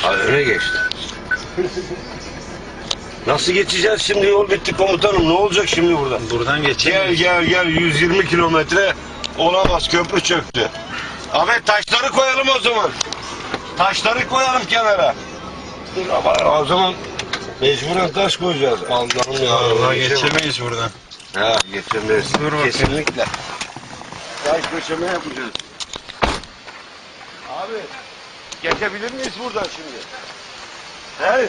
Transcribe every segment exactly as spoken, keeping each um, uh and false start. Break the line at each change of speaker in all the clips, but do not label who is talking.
Ha, öne geçti. Nasıl geçeceğiz şimdi? Yol bitti komutanım. Ne olacak şimdi burada?
Buradan geçelim.
Gel gel gel, yüz yirmi kilometre olamaz, köprü çöktü. Ahmet, taşları koyalım o zaman. Taşları koyalım kenara. Dur ama o zaman mecburen taş koyacağız. Allah'ım ya.
Vallahi geçemeyiz buradan.
Ha, geçemeyiz.
Dur bakayım.
Kesinlikle. Taş döşeme yapacağız. Abi, geçebilir miyiz buradan şimdi? He?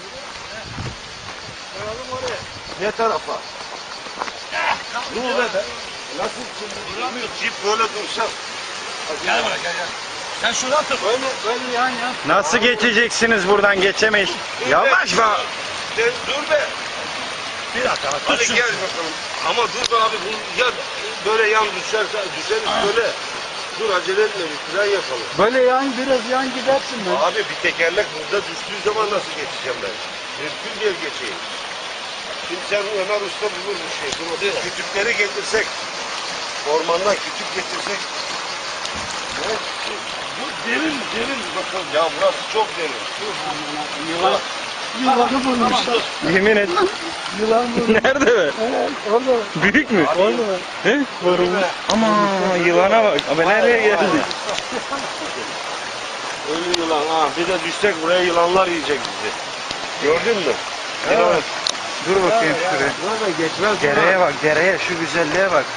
Koyalım oraya. Ne tarafa? Dur be be. Nasıl şimdi? Duramıyor. Cip böyle dursa. Gel buraya gel gel. Sen şuradan tut. Böyle, böyle yan yan.
Nasıl geçeceksiniz buradan? Geçemeyiz.
Dur
Yavaş be.
Sen dur be.
Bir dakika. Tut
Hadi
şunu.
gel bakalım. Ama dur be abi. Bu, ya böyle yan düşerse düşeriz böyle. Dur, acele etme. Bir fren yapalım.
Böyle yan biraz yan gidersin be.
Abi bir tekerlek burada düştüğü zaman nasıl geçeceğim ben? Mümkün değil geçeyim. Şimdi sen Ömer Usta bulur bir şey. Dur, o kütükleri getirsek. Ormandan kütük getirsek. Ne? Bu derin derin bakalım. Ya burası çok derin.
Yılan. Yılanı bulmuşlar.
Yemin et.
Yılan bulmuş.
Nerede be?
Evet, orada.
Büyük mü?
Orada.
He? Ama yılana bak. Abi nereye geldik?
Ölü yılan ha. Bir de düşsek buraya yılanlar yiyecek bizi. Gördün mü?
Evet.
Evet.
Dur bakayım şuraya.
Burada geçmez.
Dereye bak, dereye, şu güzelliğe bak.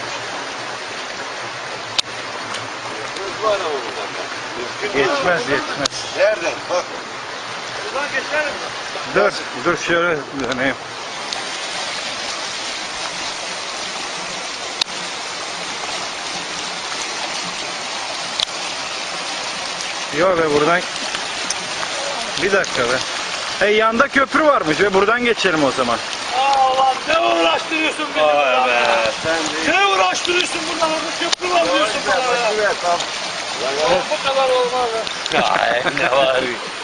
Var ama buradan. Mümkün değil.
Geçmez, geçmez.
Nereden? Bak.
Buradan geçelim.
Dur, dur şöyle döneyim. Yok be buradan. Bir dakika be. Hey, yanda köprü varmış ve buradan geçelim o zaman.
Allah, ne uğraştırıyorsun beni?
Vay be. Sen de.
Ne uğraştırıyorsun buradan? Orada köprü var diyorsun bana ya.
Tamam.
Bu kadar olmaz ya.
Ya ne var?